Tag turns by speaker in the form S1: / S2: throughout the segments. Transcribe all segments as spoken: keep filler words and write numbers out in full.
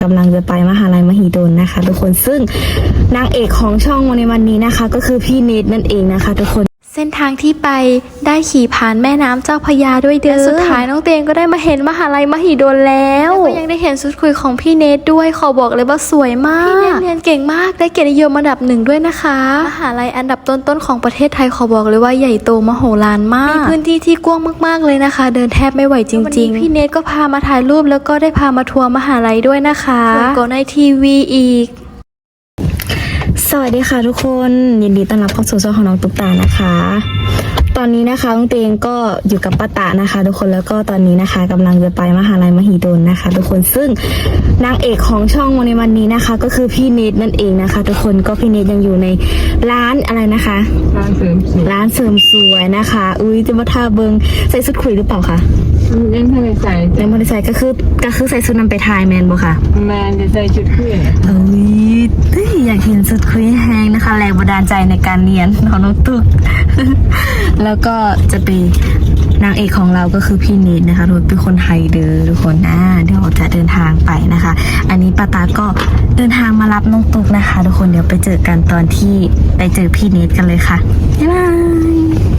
S1: กำลังจะไปมหาลัยมหิดลนะคะทุกคนซึ่งนางเอกของช่องในวันนี้นะคะก็คือพี่เนทนั่นเองนะคะทุกคน
S2: เส้นทางที่ไปได้ขี่ผ่านแม่น้ำเจ้าพระยาด้วยเด้อและสุดท้ายน้องเตงก็ได้มาเห็นมหาลัยมหิดลแล้วแล้วก็ยังได้เห็นชุดคุยของพี่เนทด้วยขอบอกเลยว่าสวยมากพี่เนทเรียนเก่งมากได้เกียรตินิยมอันดับหนึ่งด้วยนะคะมหาลัยอันดับต้นๆของประเทศไทยขอบอกเลยว่าใหญ่โตมโหฬารมากมีพื้นที่ที่กว้างมากๆเลยนะคะเดินแทบไม่ไหวจริงๆพี่เนทก็พามาถ่ายรูปแล้วก็ได้พามาทัวร์มหาลัยด้วยนะคะแล้วก็ในทีวีอีก
S1: สวัสดีค่ะทุกคนยินดีต้อนรับเข้าสู่ช่องของน้องตุ๊กตานะคะตอนนี้นะคะน้องเตงก็อยู่กับป้าตะนะคะทุกคนแล้วก็ตอนนี้นะคะกำลังจะไปมหาลัยมหิดลนะคะทุกคนซึ่งนางเอกของช่องในวันนี้นะคะก็คือพี่เนทนั่นเองนะคะทุกคนก็พี่เนทยังอยู่ในร้านอะไรนะคะ
S3: ร้านเสริมสวย
S1: ร้านเสริมสวยนะคะอุ้ยจะมาทาเบิงใส่ชุดคุยหรือเปล่าคะ
S3: ยังไม่ได้ใส่
S1: ยังไม่ได้ใส่ก็คือก็คือใส่ชุดนำไปถ่ายแมนบ่ค่ะ
S3: แมนจะใส่ชุดคุย
S1: เอ้ยอยากเห็นชุดคุยแห้งนะคะแรงบันดาลใจในการเรียนของน้องตุ๊ก แล้วก็จะเป็นนางเอกของเราก็คือพี่เนทนะคะทุกเป็นคนไทยเด้อทุกคนนะเดี๋ยวจะเดินทางไปนะคะ อันนี้ป้าตาก็เดินทางมารับน้องตุ๊กนะคะทุกคนเดี๋ยวไปเจอกันตอนที่ไปเจอพี่เนทกันเลยค่ะบ๊ายบาย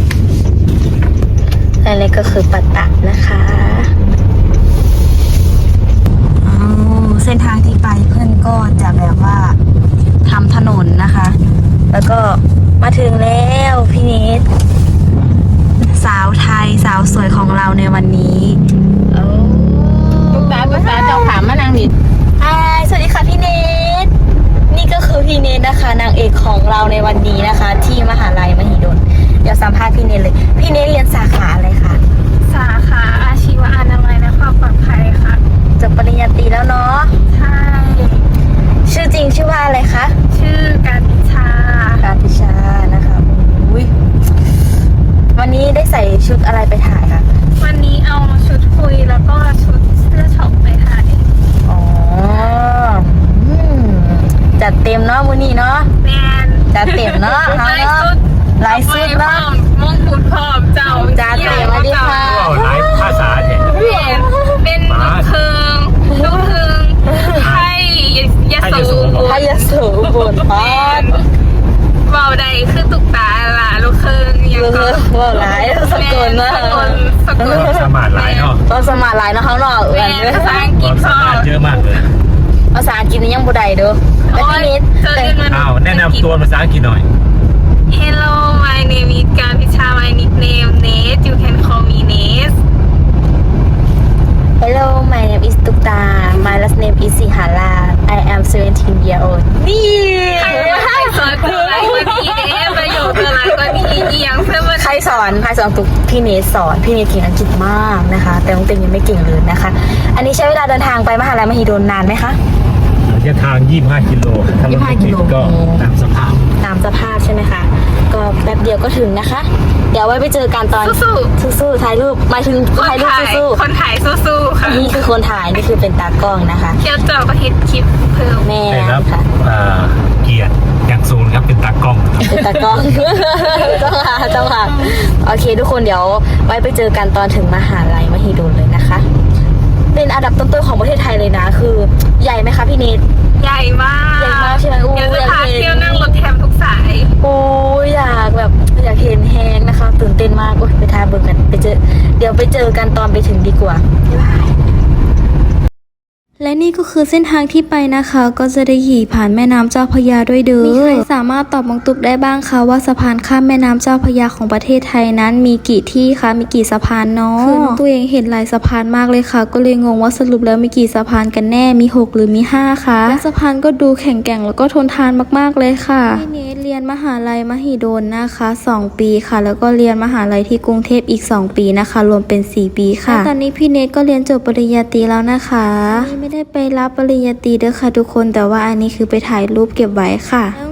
S1: อันนี้ก็คือป้าตานะคะเส้นทางที่ไปเพื่อนก็จะแบบว่าทำถนนนะคะ แล้วก็มาถึงแล้วพี่เนทสาวไทยสาวสวยของเราในวันนี้โอ้
S3: ลูกตาลูกตาเจ้าถามมานางนิด
S1: ฮายสวัสดีค่ะพี่เนทนี่ก็คือพี่เนทนะคะนางเอกของเราในวันนี้นะคะ ที่มหาลัยมหิดลเดี๋ยวสัมภาษณ์พี่เนทเลยพี่เนทเรียนสาขาอะไรคะ
S4: สาขาอาชีวะอนามัยและความปลอดภัยค่ะ
S1: จบปริญญาตรีแล้วเนาะ
S4: ใช่
S1: ชื่อจริงชื่อว่าอะไรคะ
S4: ชื่อการพิชา
S1: การพิชานะคะอุ้ยวันนี้ได้ใส่ชุดอะไรไปถ่ายคะ
S4: วันนี้เอาชุดคุยแล้วก็ชุดเสื้อช็อปไปถ่าย
S1: อ๋อจัดเต็มเนาะมื้อนี้เนาะ
S4: แมน
S1: จัดเต็มเนาะเฮาเนาะหลายชุดเนาะ
S4: มงกุฎพร้อมเจ้า
S1: จัดเต็มมาดิค่ะ
S5: หลายภาษาเนี่ย
S4: เป็นเป็นลูกครึ่งลูกครึ่งไทยยโส
S1: ไทยยโสบนพอด
S4: เบาใดคือตุกตาล่ะลูกครึ่ง
S1: ยังก็ว่าหลายสกลนะ
S4: สกล
S5: สมาร์ทหลายเนาะ
S1: ก็สมาร์ทหลายเนาะข้างนอก
S4: เอนภาษาอังกฤษ
S5: ก็เยอะมากเลย
S1: ภาษาอังกฤษนี่ยังบ่ได้เด้อแต่พี่นิด
S5: อ้าวแนะนำตัวภาษาอังกฤษหน่อย
S4: Hello my name is การพิชา my nickname Nate you can call me Nate
S1: Hello my name is ตุ๊กตา my last name is สิหารา I am seventeen year old นี่
S4: ใครสอนเธออะไรกว่านี้เอ๊ะประโยชน์เธออะไรกว่านี้เอียงเพื่อน
S1: ใครสอนใครสอนตุ๊กพี่เนทสอนพี่เนทเก่งอังกฤษมากนะคะแต่น้องเต็งยังไม่เก่งเลยนะคะอันนี้ใช้เวลาเดินทางไปมหาลัยมหิดลนานไหมคะ
S5: ระยะทางยี่สิบห้ากิโลถ้ารถติดก็ตามสภาพ
S1: ตามสภาพใช่ไหมคะก็แป๊บเดียวก็ถึงนะคะเดี๋ยวไว้ไปเจอกันตอน
S4: สู้
S1: ๆสู้ๆถ่ายรูปหมายถึงถ่ายรูปสู้
S4: ๆคนถ่ายสู้ๆค่ะ
S1: นี่คือคนถ่ายนี่คือเป็นตากล้องนะคะ
S4: เที่ยวเจ้าก็เฮ็ดคลิปเพิ่ม
S1: แม่
S5: ค่ะเกียรติอย่างสูงครับเป็นตากล้อง
S1: เป็นตากล้องต้องหาต้องหาโอเคทุกคนเดี๋ยวไว้ไปเจอกันตอนถึงมหาลัยมหิดลเลยนะคะเป็นอันดับต้นๆของประเทศไทยเลยนะคือใหญ่ไหมคะพี่เนท
S4: ใหญ่มาก
S1: ใหญ่มากใช่ไหม
S4: อยากจะพาเที่ยวนั่งรถแทมทุกสาย
S1: โอ้อยากแบบอยากเห็นแฮงนะคะตื่นเต้นมากโอ้ยไปทาเบิร์กันไปเจอเดี๋ยวไปเจอกันตอนไปถึงดีกว่าบ๊ายบาย
S2: และนี่ก็คือเส้นทางที่ไปนะคะก็จะได้ขี่ผ่านแม่น้ำเจ้าพระยาด้วยเด้อมีใครสามารถตอบน้องตุ๊กได้บ้างคะว่าสะพานข้ามแม่น้ำเจ้าพระยาของประเทศไทยนั้นมีกี่ที่คะมีกี่สะพานเนาะคือน้องตัวเองเห็นหลายสะพานมากเลยค่ะก็เลยงงว่าสรุปแล้วมีกี่สะพานกันแน่มีหกหรือมีห้าคะและสะพานก็ดูแข็งแกร่งแล้วก็ทนทานมากๆเลยค่ะพี่เนทเรียนมหาลัยมหิดลนะคะสองปีค่ะแล้วก็เรียนมหาลัยที่กรุงเทพอีกสองปีนะคะรวมเป็นสี่ปีค่ะตอนนี้พี่เนทก็เรียนจบปริญญาตรีแล้วนะคะไม่ได้ไปรับปริญญาตรีเด้อค่ะทุกคนแต่ว่าอันนี้คือไปถ่ายรูปเก็บไว้ค่ะน้อง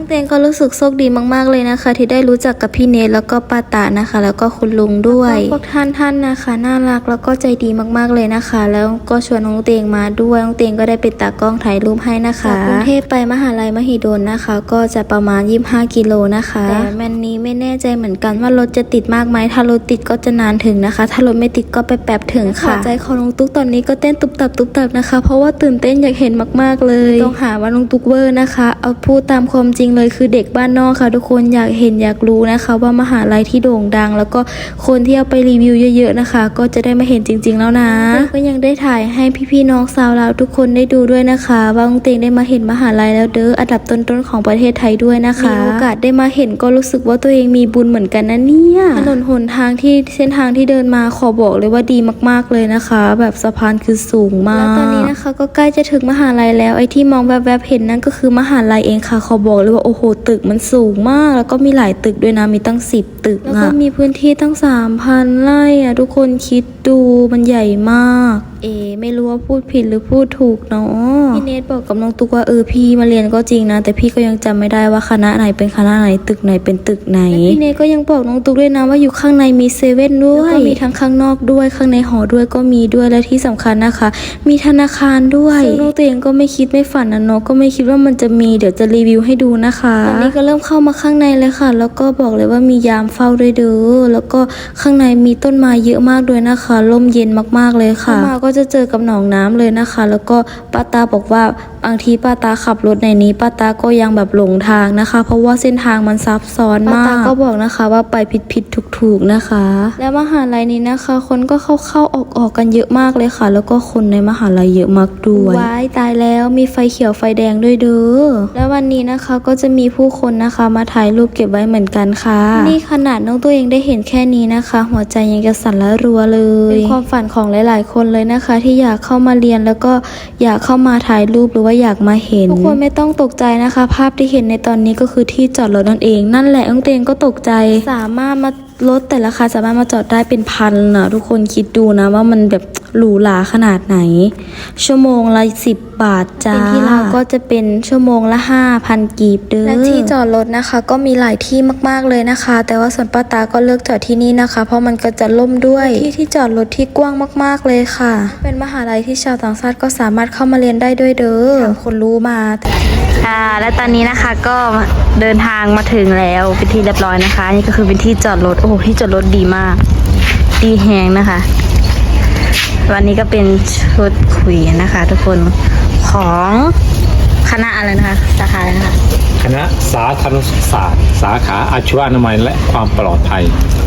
S2: เตงก็รู้สึกโชคดีมากๆเลยนะคะ ที่ได้รู้จักกับพี่เนทแล้วก็ป้าตานะคะ แล้วก็คุณลุงด้วยพวกท่านท่านนะคะน่ารักแล้วก็ใจดีมากๆเลยนะคะ แล้วก็ชวนน้องเตงมาด้วยน้องเตงก็ได้เป็นตากล้องถ่ายรูปให้นะคะจากกรุงเทพไปมหาลัยมหิดลนะคะ ก็จะประมาณยี่สิบห้ากิโลนะคะแต่แมนนี้ไม่แน่ใจเหมือนกันว่ารถจะติดมากไหมถ้ารถติดก็จะนานถึงนะคะ ถ้ารถไม่ติดก็ไปแป๊บถึงค่ะใจของน้องตุ๊กตอนนี้ก็เต้นตุบตับตุบตับนะคะ เพราะว่าตื่นเต้นอยากเห็นมากๆเลยต้องหาว่าน้องตุ๊กเวอร์นะคะเอาพูดตามความจริงเลยคือเด็กบ้านนอกค่ะทุกคนอยากเห็นอยากรู้นะคะ ว่ามหาลัยที่โด่งดัง แล้วก็คนที่เอาไปรีวิวเยอะๆนะคะ ก็จะได้มาเห็นจริง ๆแล้วนะก็ยังได้ถ่ายให้พี่ๆน้องสาวเราทุกคนได้ดูด้วยนะคะว่าน้องเตงได้มาเห็นมหาลัยแล้วเด้ออันดับต้นๆของประเทศไทยด้วยนะคะมีโอกาสได้มาเห็นก็รู้สึกว่าตัวเองมีบุญเหมือนกันนะเนี่ยถนนหนทางที่เส้นทางที่เดินมาขอบอกเลยว่าดีมากๆเลยนะคะ แบบสะพานคือสูงมากแล้วตอนนี้นะคะก็ใกล้จะถึงมหาลัยแล้วไอ้ที่มองแวบๆเห็นนั่นก็คือมหาลัยเองค่ะขอบอกเลยว่าโอ้โหตึกมันสูงมากแล้วก็มีหลายตึกด้วยนะมีตั้งสิบตึกแล้วก็มีพื้นที่ตั้งสามพันไร่อะทุกคนคิดดูมันใหญ่มากเอไม่รู้ว่าพูดผิดหรือพูดถูกเนาะพี่เนทบอกกับน้องตุ๊กว่าเออพี่มาเรียนก็จริงนะแต่พี่ก็ยังจำไม่ได้ว่าคณะไหนเป็นคณะไหนตึกไหนเป็นตึกไหนพี่เนทก็ยังบอกน้องตุ๊กด้วยนะว่าอยู่ข้างในมีเซเว่นด้วยแล้วก็มีทั้งข้างนอกด้วยข้างในหอด้วยก็มีด้วยและที่สำคัญนะคะมีธนาคารด้วยซึ่งน้องตัวเองก็ไม่คิดไม่ฝันนะเนาะก็ไม่คิดว่ามันจะมีเดี๋ยวจะรีวิวให้ดูนะคะตอนนี้ก็เริ่มเข้ามาข้างในเลยค่ะแล้วก็บอกเลยว่ามียามเฝ้าด้วยเด้อแล้วก็ข้างในมีต้นไม้เยอะมากด้วยนะคะร่มเย็นมากๆเลยค่ะมาก็จะเจอกับหนองน้ำเลยนะคะแล้วก็ป้าตาบอกว่าบางทีป้าตาขับรถในนี้ป้าตาก็ยังแบบหลงทางนะคะ เพราะว่าเส้นทางมันซับซ้อนมากป้าตาก็บอกนะคะว่าไปผิดผิดถูกถูกๆนะคะ แล้วมหาลัยนี้นะคะ คนก็เข้าเข้าออกออกกันเยอะมากเลยค่ะ แล้วก็คนในมหาลัยเยอะมากด้วยว้ายตายแล้วมีไฟเขียวไฟแดงด้วยเด้อแล้ววันนี้นะคะก็จะมีผู้คนนะคะมาถ่ายรูปเก็บไว้เหมือนกันค่ะนี่ขนาดน้องตัวเองได้เห็นแค่นี้นะคะ หัวใจยังจะสั่นละรัวเลยเป็นความฝันของหลายๆคนเลยนะคะ ที่อยากเข้ามาเรียนแล้วก็อยากเข้ามาถ่ายรูปหรือว่าอยากมาเห็นทุกคนไม่ต้องตกใจนะคะ ภาพที่เห็นในตอนนี้ก็คือที่จอดรถนั่นเองนั่นแหละน้องเตงก็ตกใจสามารถมารถแต่ละคันสามารถมาจอดได้เป็นพันนะทุกคนคิดดูนะว่ามันแบบหรูหราขนาดไหนชั่วโมงละสิบบาทจ้าเป็นที่เราก็จะเป็นชั่วโมงละห้าพันกีบเด้อและที่จอดรถนะคะก็มีหลายที่มากๆเลยนะคะ แต่ว่าส่วนป้าตาก็เลือกจอดที่นี่นะคะ เพราะมันก็จะล่มด้วยที่ที่จอดรถที่กว้างมากๆเลยค่ะเป็นมหาลัยที่ชาวต่างชาติก็สามารถเข้ามาเรียนได้ด้วยเด้อถามคนรู้มาค่ะและตอนนี้นะคะก็เดินทางมาถึงแล้วเป็นที่เรียบร้อยนะคะนี่ก็คือเป็นที่จอดรถโอ้โหที่จอดรถดีมากดีแฮงนะคะวันนี้ก็เป็นชุดคุยนะคะ ทุกคนของคณะอะไรนะคะสาขาอะไรนะคะ
S5: คณะสาธารณสุขศาสตร์สาขาอาชีวะอนามัยและความปลอดภัย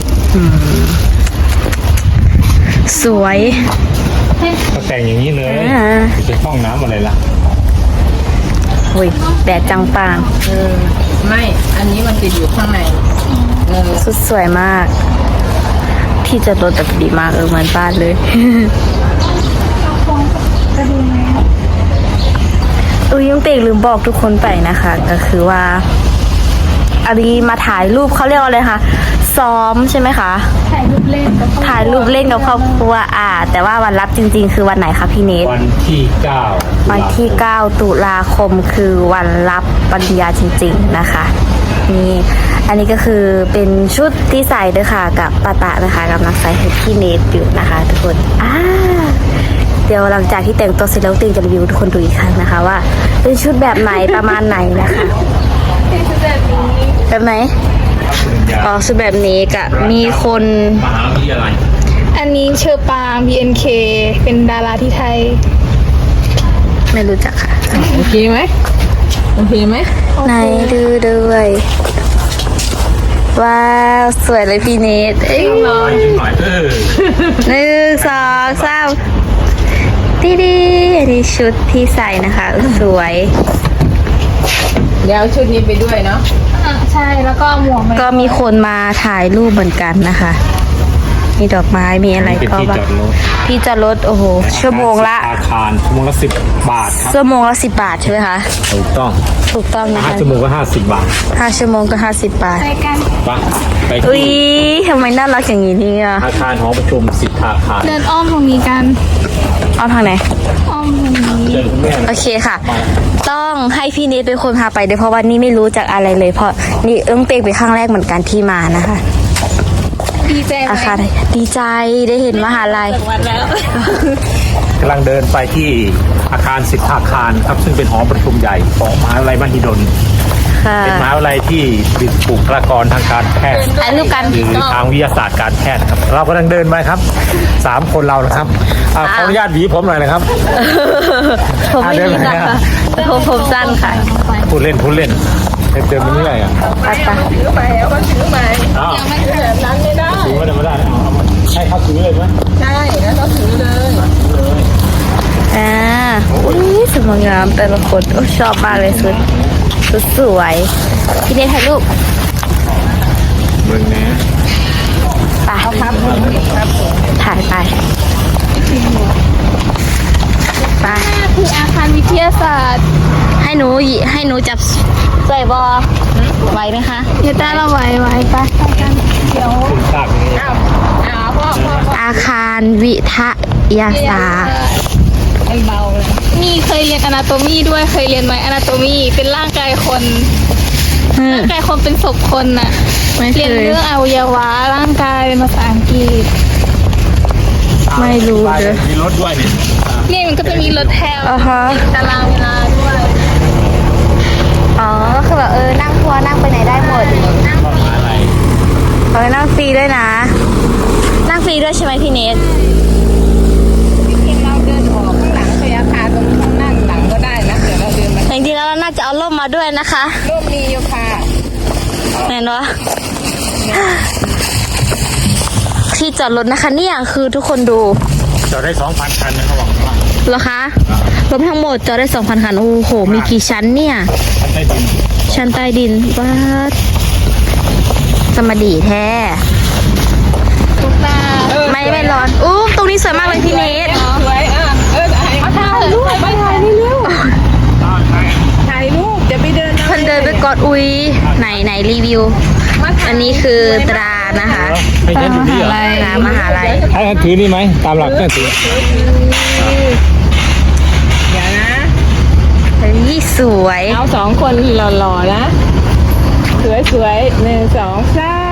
S1: สวย
S5: ก็แต่งอย่างนี้เลยเป็นห้องน้ำอะไรล่ะ
S1: โอ้ยแดดจังปาง
S3: เออไม่อันนี้มันติดอยู่ข้างในเออ
S1: สุดสวยมากที่จอดรถแบบดีมากเออเหมือนบ้านเลยอุ้ยยังเตกลืมบอกทุกคนไปนะคะ ก็คือว่าอันนี้มาถ่ายรูปเขาเรียกว่าอะไรคะซ้อมใช่ไหมคะถ่ายรูปเล่นกับถ่ายรูปเล่นกับครอบครัวอ่าแต่ว่าวันรับจริงๆคือวันไหนคะพี่เนท
S5: วันที่เก้า
S1: วันที่เก้าตุลาคมคือวันรับปริญญาจริงๆนะคะนี่อันนี้ก็คือเป็นชุดที่ใส่ด้วยค่ะกับปาตะนะคะกับนักใส่ให้พี่เนทอยู่นะคะทุกคนอ่าเดี๋ยวหลังจากที่แต่งตัวเสร็จแล้วติงจะรีวิวทุกคนดูอีกครั้งนะคะว่าเป็นชุดแบบไหนประมาณไหนนะคะแบบไหนอ๋อชุดแบบนี้กับมีคน
S5: มหาวิทยาลัย
S4: อันนี้เชอปาง บี เอ็น เค เป็นดาราที่ไทย
S1: ไม่รู้จักค่ะ
S3: โอเคไหมโอเคไหม
S1: ไหนดูด้วยว้าวสวยเลยพี่เนทเอ้ย
S5: หน่อยหน่อยเออ
S1: หนึ่งสองสามดีดีอันนี้ชุดที่ใส่นะคะสวย
S3: เดี๋ยวเอาชุดนี้ไปด้วยเนาะ
S4: อ่าใช่แล้วก็หมวกมัน
S1: ก็มีคนมาถ่ายรูปเหมือนกันนะคะ มีดอกไม้มีอะไร
S5: เป็น
S1: ก็
S5: ที่
S1: ว่า
S5: จอดรถ
S1: ที่จอดรถโอ้โหชั่วโมงละ
S5: อาคารชั่วโมงละสิบบาทครับ
S1: ชั่วโมงละสิบบาทใช่ไหมคะ
S5: ถูกต้อง
S1: ถูกต้องนะ
S5: ห้า
S1: คะ
S5: ชั่วโมงก็ห้าสิบบาท
S1: ห้าชั่วโมงก็ห้าสิบบาท
S4: ไปกัน
S5: ไปไป
S1: อุ้ย
S5: ที่
S1: ทำไมน่ารักอย่างนี้เนี่ย
S5: อาคารหอประชุมสิทธาคาร
S4: เดินอ้อมตรงนี้กัน
S1: เอาทางไหน
S4: อ้อมตรงนี้
S5: เชิญคุณแม่
S1: โอเคค่ะต้องให้พี่นิดเป็นคนพาไปเดี๋ยวเพราะว่านี่ไม่รู้จักอะไรเลยเพราะนี่เอิ้งเปงเป็นครั้งแรกเหมือนกันที่มานะคะ
S4: ดีใจไหม
S1: อาคารดีใจได้เห็นมหาลัย
S4: วันแล้ว
S5: กำลังเดินไปที่อาคารสิทธาคารครับซึ่งเป็นหอประชุมใหญ่ของมหาวิทยาลัยมหิดล
S1: ค่ะ
S5: เป็นมหาวิทยาลัยที่มีบุคลากรทางการแพทย์
S1: ถ่ายรูปกัน
S5: หรือทางวิทยาศาสตร์การแพทย์ครับเรากำลังเดินไปครับสามคนเรานะครับอ่าขออนุญาตหวีผมหน่อยนะครับ
S1: ผมไม่มีนะคะผมผมสั้นค่ะ
S5: พูดเล่นพูดเล่นเดินเดินไปเรื่อยอ่ะ
S1: ไปไป
S3: ถือไปเอาก็ถือไป
S5: อ้าว
S3: ไม่ถือแบบนั้นไม่ได้
S5: ถือไม่ได้ไม่ได้เอาเอาให้เขาถือเลยไหม
S3: ใช่แล้วเราถือเลย
S1: อ่าอุ้ยสวยงามแต่ละคนโอ้ชอบมากเลยสุดสุดสวยพี่เนทถ่ายรูป
S5: เบิ่งแน่
S1: ไปถ่ายไปไป
S4: คืออาคารวิทยาศาสตร์
S1: ให้หนูหยิให้หนูจับใส่บอไหวไหมคะ
S4: เดี๋ยวตาเราไหวไหวไปไปกันเดี๋ยว
S5: คุณทราบนี้
S3: อ้าวอ้าวพ่อพ่อพ่อ
S1: อาคารวิทยาศาสตร์
S3: มันเบาเลย
S4: นี่เคยเรียนอนาโตมีด้วยเคยเรียนไหมอนาโตมีเป็นร่างกายคน
S1: อืม
S4: ร่างกายคนเป็นศพคนน่ะ
S1: ไม่เค
S4: เรียน
S1: ย
S4: เรื่องอวัยวะร่างกายเป็นภาษาอังกฤษ
S1: ไม่รู้
S5: ไป
S1: เลย
S5: มีรถด้วยนี่
S4: นี่มันก็จะมีรถแถว
S1: อ่าฮะ
S4: ตารางเวลาด้วย
S1: อ๋อคือแบบเออนั่งทัวร์นั่งไปไหนได้หมด
S5: ก็มหาอะไร
S1: เออนั่งฟรีด้วยนะ นั่งฟรีด้วยใช่ไหมพี่เนท
S3: จริงๆเราเดินออกข้างหลังพยาคารตรงข้างหน้าหลังก็ได้นะเดี๋ยวเราเดินมา
S1: จริงๆแล้วเราน่าจะเอาร่มมาด้วยนะคะ
S3: รูปมีอยู่ค่ะ
S1: เห็นวะที่จอดรถนะคะเนี่ยคือทุกคนดู
S5: จอดได้สองพันคันนะเขาบอกว่า
S1: เหรอคะรถทั้งหมดจอดได้สองพันคันโอ้โหมีกี่ชั้นเนี่ย
S5: คันใต้ดิน
S1: ชั้นใต้ดินวัดสมดีแท้
S4: ตุ๊กตา
S1: ไม่ไม่ร้อนอู้ตรงนี้สวยมากเลยพี่เนท
S3: สวยอ่ะเออถ่าย
S4: ถ่ายรูปไปถ่ายเร็ว
S3: ถ่ายรูปจะไปเดิน
S1: เพิ่นเดินไปกอดอุยไหนไหนรีวิว อันนี้คือตรานะคะ
S5: ให้ฉันอยู่นี่เหรอ
S1: ตรามหาลัย
S5: ให้ฉันถือนี่ไหมตามหลักก็ถือ
S3: เดี๋ยวนะ
S1: เฮ้ยสวย
S3: เอาสองคนหล่อๆนะ สวยๆหนึ่งสองสาม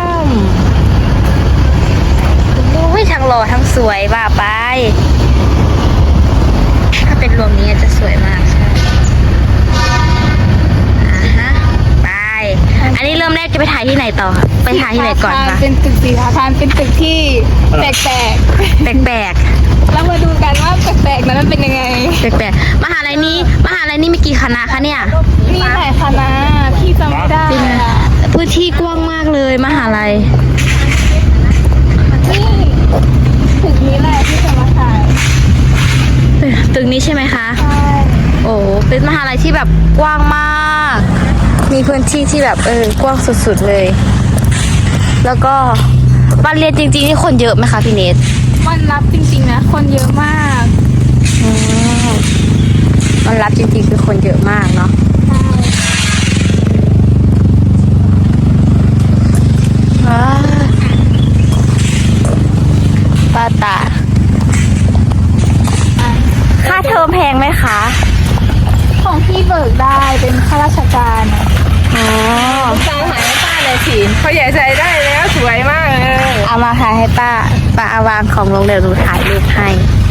S1: อุ้ยทั้งหล่อทั้งสวยว่าไป ถ้าเป็นรวมนี้จะสวยมากใช่อ่าฮะไป อันนี้เริ่มแรกจะไปถ่ายที่ไหนต่อคะไปถ่ายที่ไหนก่อนคะ
S4: เป็นตึกสีอาคารเป็นตึกที่แปลก
S1: แปลก
S4: ๆแล้วมาดูกันว่าแปลกๆนั้นมันเป็นยังไง
S1: ๆแปลกๆมหาลัยนี้มหาลัยนี้มีกี่คณะคะเนี่ย
S4: มีหลายคณะที่จำไม่ได้อะ
S1: พื้นที่กว้างมากเลยมหาลัย
S4: นี่ตึกนี้แหละที่จะมาถ่าย
S1: ตึกนี้ใช่ไหมคะ
S4: ใช่
S1: โอ้เป็นมหาลัยที่แบบกว้างมาก มีพื้นที่ที่แบบเออกว้างสุดๆเลย แล้วก็วันเรียนจริงๆนี่คนเยอะไหมคะพี่เนท
S4: วันรับจริงๆนะคนเยอะมาก
S1: อืมวันรับจริงๆคือคนเยอะมากเนาะว้าป้าตา ค่าเทอมแพงไหมคะ
S4: ของพี่เบิกได้เป็นข้าราชการอะ
S1: อ๋อ
S3: ตามหายให้ป้าเลยสิเขาใหญ่ใจได้แล้วสวยมากเลย
S1: เอามาถ่ายให้ป้า ป้าเอาวางของลงเดี๋ยวหนูถ่ายรูปให้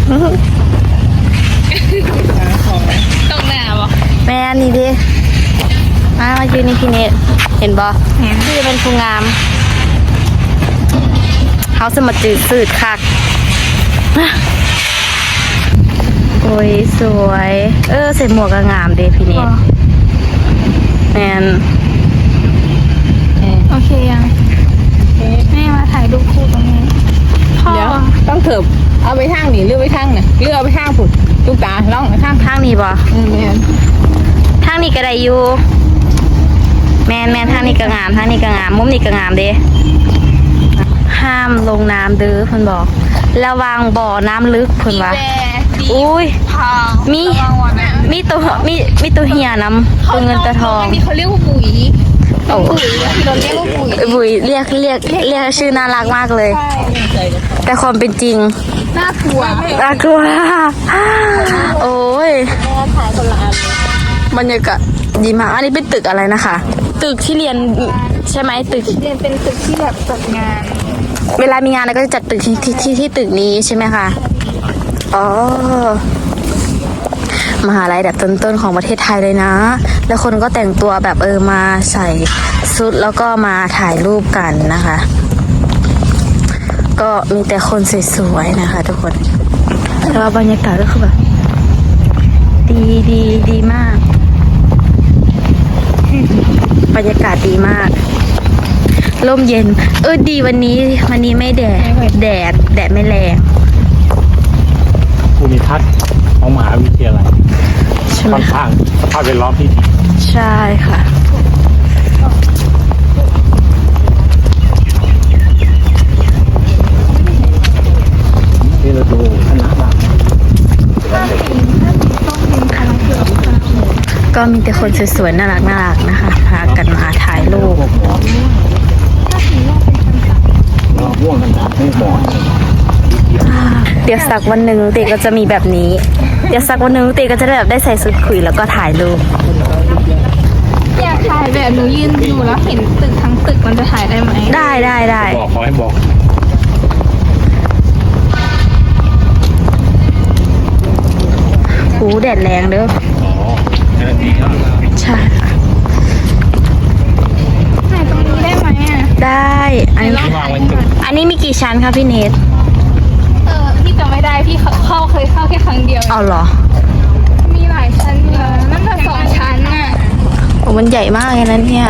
S4: ต้องหน้าบ่
S1: แม่อันนี้ดิ มามายืนนี่พี่เนทเห็นบอพี่จะเป็นผู้งาม เขาสมาจืดสืดคัก โอ้ยสวย เออใส่หมวกก็งามเด้พี่เนทแมน
S4: โอเคยังแม่มาถ่ายรูปคู่ตรงนี้พ่อ
S3: เดี๋ยวต้องเถิบเอาไปทางนี่เลือกไปทางน่ะเลือกเอาไปทางผุดลูกตาล่องไปทาง
S1: ทางนี้บอ
S3: เออแม่น
S1: ทางนี้ก็ได้อยู่ แมนแมนทางนี้ก็งามทางนี้ก็งาม มุมนี้ก็งามเด้ ห้ามลงน้ำเด้อเพิ่นบอก ระวังบ่อน้ำลึกเพิ่นว่า อุ้ย
S4: พา
S1: มี มีตัวมีมีตัวเหียนำตัวเงินตัวทอง
S4: นี่เขาเรียกว่าปุ๋ย
S1: โอ้
S4: ปุ๋ยที่เราเรียกว่าปุ๋ย
S1: บุ๋ยเรียกเรียกเรียกชื่อน่ารักมากเลย แต่ความเป็นจริง
S4: น่ากลัว
S1: น่ากลัวโอ้ยบรรยากาศดีมาก อันนี้เป็นตึกอะไรนะคะ ตึกที่เรียนใช่ไหมตึก
S4: เรียนเป็นตึกที่แบบจัดงาน
S1: เวลามีงานอะไรก็จะจัดตึกที่ที่ที่ที่ตึกนี้ใช่ไหมคะอ๋อมหาลัยแบบต้นๆของประเทศไทยเลยนะ แล้วคนก็แต่งตัวแบบเออมาใส่ชุดแล้วก็มาถ่ายรูปกันนะคะ ก็มีแต่คนสวยๆนะคะ ทุกคนแล้วบรรยากาศก็คือแบบดีดีดีมาก บรรยากาศดีมากร่มเย็น เออดีวันนี้วันนี้ไม่แดดแดดแดดไม่แรง
S5: ภูมิทัศน์ของมหาวิทยาลัย
S1: ใช่ไหม
S5: ค่อน
S1: คะ
S5: ข้างสภาพแวดล้อมที่ดี
S1: ใช่ค่ะ
S5: ที่เราดูคณะบ้าง
S1: ก็มีแต่คนสวยๆน่ารักน่ารักนะคะ พากันมาถ่ายรูป
S5: ม่วงกันนะไม่หมอน
S1: เดี๋ยวสักวันหนึ่งเตก็จะมีแบบนี้ เดี๋ยวสักวันหนึ่งเตก็จะได้แบบได้ใส่ชุดคุยแล้วก็ถ่ายรูป
S4: อยากถ่ายแบบหนูยืนอยู่แล้วเห็นตึกทั้งตึกมันจะถ่ายได้ไหม
S1: ได้ได้ได้
S5: บอกขอให้บอก
S1: หูแดดแรงเด้อ
S5: อ๋อแค่นี้ก็
S1: ใช่ค่ะ
S4: ถ่ายตรงนี้ได้ไหมอ่ะ
S1: ได้ อันนี้
S5: วางไว้ตึก
S1: อันนี้มีกี่ชั้นคะพี่เนท
S4: เออพี่จำไม่ได้พี่เข้าเคยเข้าแค่ครั้งเดียว
S1: เอาเหรอ
S4: มีหลายชั้นอยู่นะนั่นก็สองชั้นน่ะ
S1: โอ้มันใหญ่มากเลยนะเนี่ย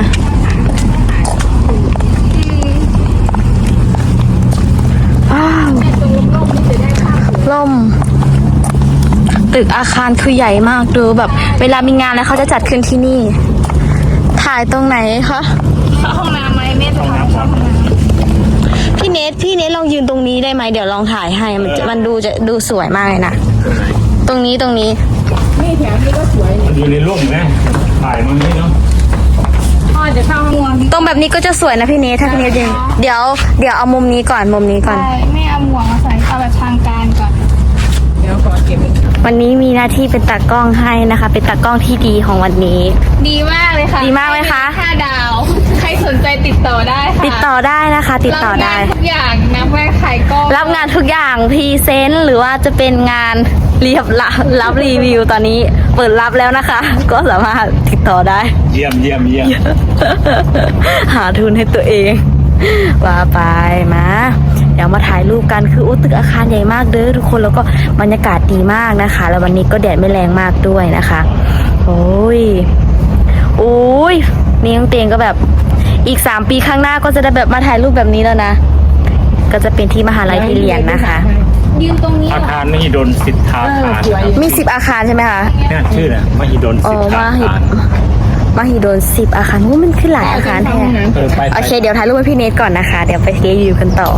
S1: ว้าวล่ม ตึกอาคารคือใหญ่มากดูแบบ เวลามีงานแล้วเขาจะจัดขึ้นที่นี่ ถ่ายตรงไหนคะ
S4: เข้าห้องน้ำไหมแม่จะพาเข้าห้องน้
S1: พี่เนทพี่เนทลองยืนตรงนี้ได้ไหมเดี๋ยวลองถ่ายให้มันจะมันดูจะดูสวยมากเลยนะ ตรงนี้ตรงนี้
S5: มันอยู่ในร่มนะถ่ายมันนี่เนาะ
S4: ำพ่อจะเข้าห้องน้ำ
S1: ตรงแบบนี้ก็จะสวยนะพี่เนทถ้าพี่เนทยืนเดี๋ยวเดี๋ยวเอามุมนี้ก่อนมุมนี้ก่อน
S4: ใช่แม่เอาหมวกมาใส่เอาแบบทางการก่อน
S1: วันนี้มีหน้าที่เป็นตากล้องให้นะคะ เป็นตากล้องที่ดีของวันนี้
S4: ดีมากเลยค่ะ
S1: ดีมากไหมคะ
S4: ห้าดาว ใครสนใจติดต่อได้ค่ะ
S1: ติดต่อได้นะคะ ติดต่อได้
S4: รับงานทุกอย่างนะแม่ขายกล้อง
S1: รับงานทุกอย่างพรีเซนต์หรือว่าจะเป็นงานเรียบรับรับรีวิวตอนนี้เปิดรับแล้วนะคะ ก็สามารถติดต่อได้
S5: เยี่ยมเยี่ยมเยี่ยม
S1: หาทุนให้ตัวเอง ว่าไปมาเดี๋ยวมาถ่ายรูปกันคืออู้ตึกอาคารใหญ่มากเด้อทุกคนแล้วก็บรรยากาศดีมากนะคะ แล้ววันนี้ก็แดดไม่แรงมากด้วยนะคะ โอ้ยโอ้ยนี่น้องเตียงก็แบบอีกสามปีข้างหน้าก็จะได้แบบมาถ่ายรูปแบบนี้แล้วนะ ก็จะเป็นที่มหาลัยที่เรียนนะคะ
S4: ยืนตรงนี้
S5: อาคารมหิดลสิทธาคาร
S1: มีสิบอาคารใช่ไหมคะ
S5: เนี่ยชื่อเนี่ยมหิดล
S1: อ๋
S5: สิ
S1: อ
S5: ทธา
S1: มาหิ
S5: คาร
S1: มหิดลสิบอาคารว่ามันขึ้นหลายอาคารแท้
S5: เออไป
S1: โอเค เดี๋ยวถ่ายรูปให้พี่เนทก่อนนะคะ เดี๋ยวไปรีวิวกันต่อ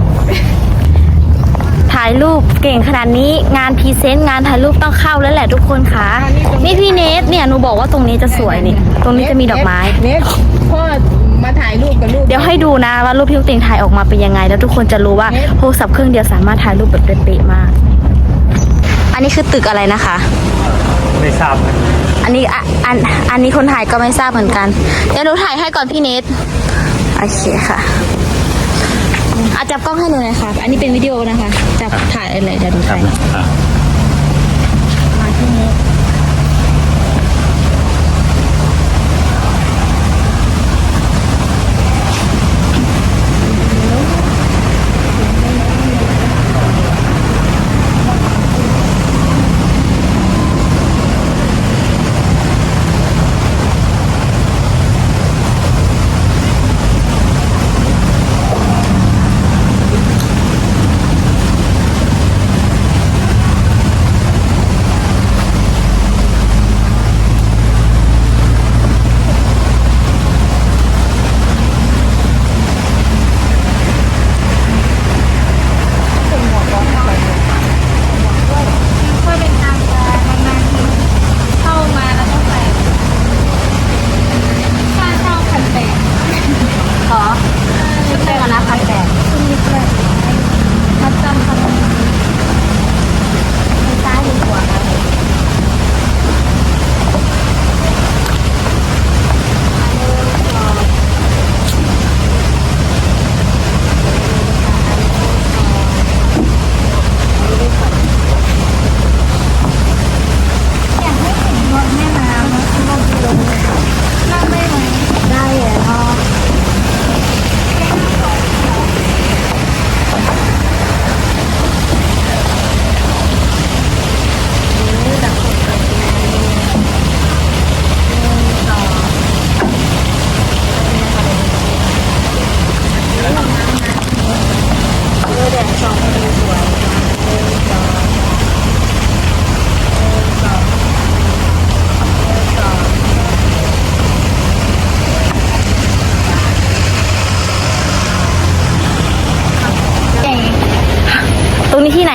S1: ถ่ายรูปเก่งขนาดนี้งานพรีเซนต์งานถ่ายรูปต้องเข้าแล้วแหละทุกคนคะนี่พี่เนทเนี่ยหนูบอกว่าตรงนี้จะสวยนี่ ตรงนี้จะมีดอกไม้
S3: เน็ตพ่อมาถ่ายรูปกับลูก
S1: เดี๋ยวให้ดูนะว่ารูปพี่ลูกเต็งถ่ายออกมาเป็นยังไง แล้วทุกคนจะรู้ว่าโทรศัพท์เครื่องเดียวสามารถถ่ายรูปแบบเป๊ะๆมาก อันนี้คือตึกอะไรนะคะ
S5: ไม่ทราบนะ
S1: อันนี้อ่ะอันอันนี้คนถ่ายก็ไม่ทราบเหมือนกัน เดี๋ยวหนูถ่ายให้ก่อนพี่เนทโอเคค่ะอาจับกล้องให้หนูหน่อยค่ะ อันนี้เป็นวิดีโอนะคะ จับถ่ายอะไรเดี๋ยวหนู
S5: ครั
S1: ถ่า
S5: บ
S1: ย
S5: อ่า
S1: มาที่นี้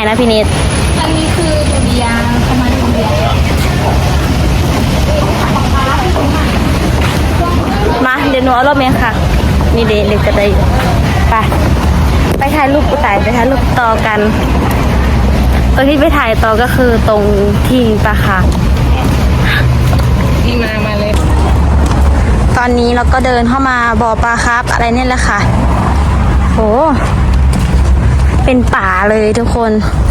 S1: นะพี่เนท
S4: อันนี้คือดุริยางค์ประมาณดุริยางค์
S1: มาเดี๋ยวหนูเอารถเมล์ค่ะ นี่เด็กเด็กจะได้ไปไปถ่ายรูปกูไต่ไปถ่ายรูปต่อกัน ตรงที่ไปถ่ายต่อก็คือตรงที่ปลาค่ะ
S3: นี่มามาเลย
S1: ตอนนี้เราก็เดินเข้ามาบ่อปลาครับอะไรเนี่ยแหละค่ะโหเป็นป่าเลยทุกคน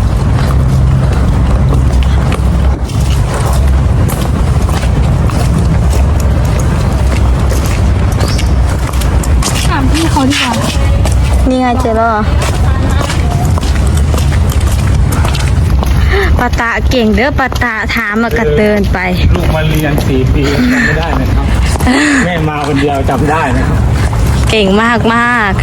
S1: ถามพี่เขาดีกว่านี่ไงเจอแล้วเหรอปาตาเก่งเด้อปาตาถามมากัดเดินไป
S5: ลูกมาเรียนสี่ปีจำไม่ได้นะครับ แม่มาคนเดียวจำได้นะครับ
S1: เก่งมากมาก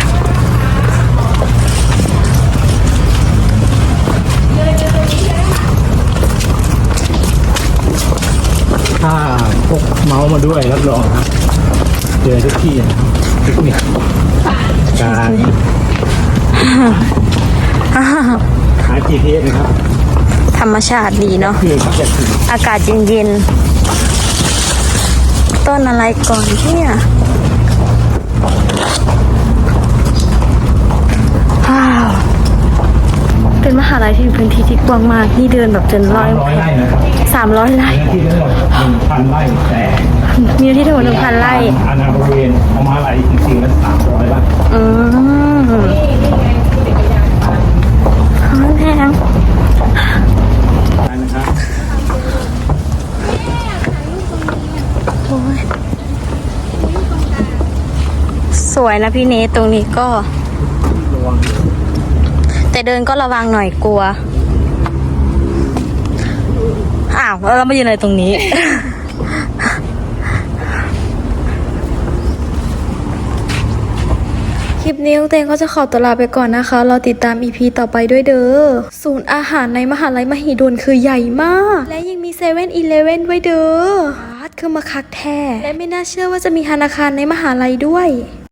S5: ถ้าพกเมาส์มาด้วยรับรองครับเจอทุกที่นะครับทุกเนี่ยการหา จี พี เอส นะครับ
S1: ธรรมชาติดีเนาะ
S5: คือจะถึง
S1: อากาศเย็นๆ ต้นอะไรก่อนเนี่ยว้าวเป็นมหาลัยที่มีพื้นที่ที่กว้างมาก นี่เดินแบบจนร้อย
S5: ร้อยไร่นะครับ
S1: สามร้อยไร่
S5: เนื้อที่ทั้งหมดหนึ่งพันไร่แต่
S1: มีที่ทั้งหมดหนึ่งพันไร่
S5: อาณาบริเวณของมหาลัยจริงๆแล้วสามร้อยไร่
S1: อืมหอมแพง
S5: ได้นะครับ
S1: โอ้ยสวยนะพี่เนทตรงนี้ก็
S5: ระวัง
S1: แต่เดินก็ระวังหน่อยกลัว อ้าวแล้วเรามายืนอะไรตรงนี้
S2: คลิปนี้เตงก็จะขอตัวลาไปก่อนนะคะ เราติดตาม อี พี ต่อไปด้วยเด้อ ศูนย์อาหารในมหาลัยมหิดลคือใหญ่มาก และยังมีเซเว่นอีเลฟเว่นด้วยเด้ออาร์ตคือมาคักแท้ และไม่น่าเชื่อว่าจะมีธนาคารในมหาลัยด้วย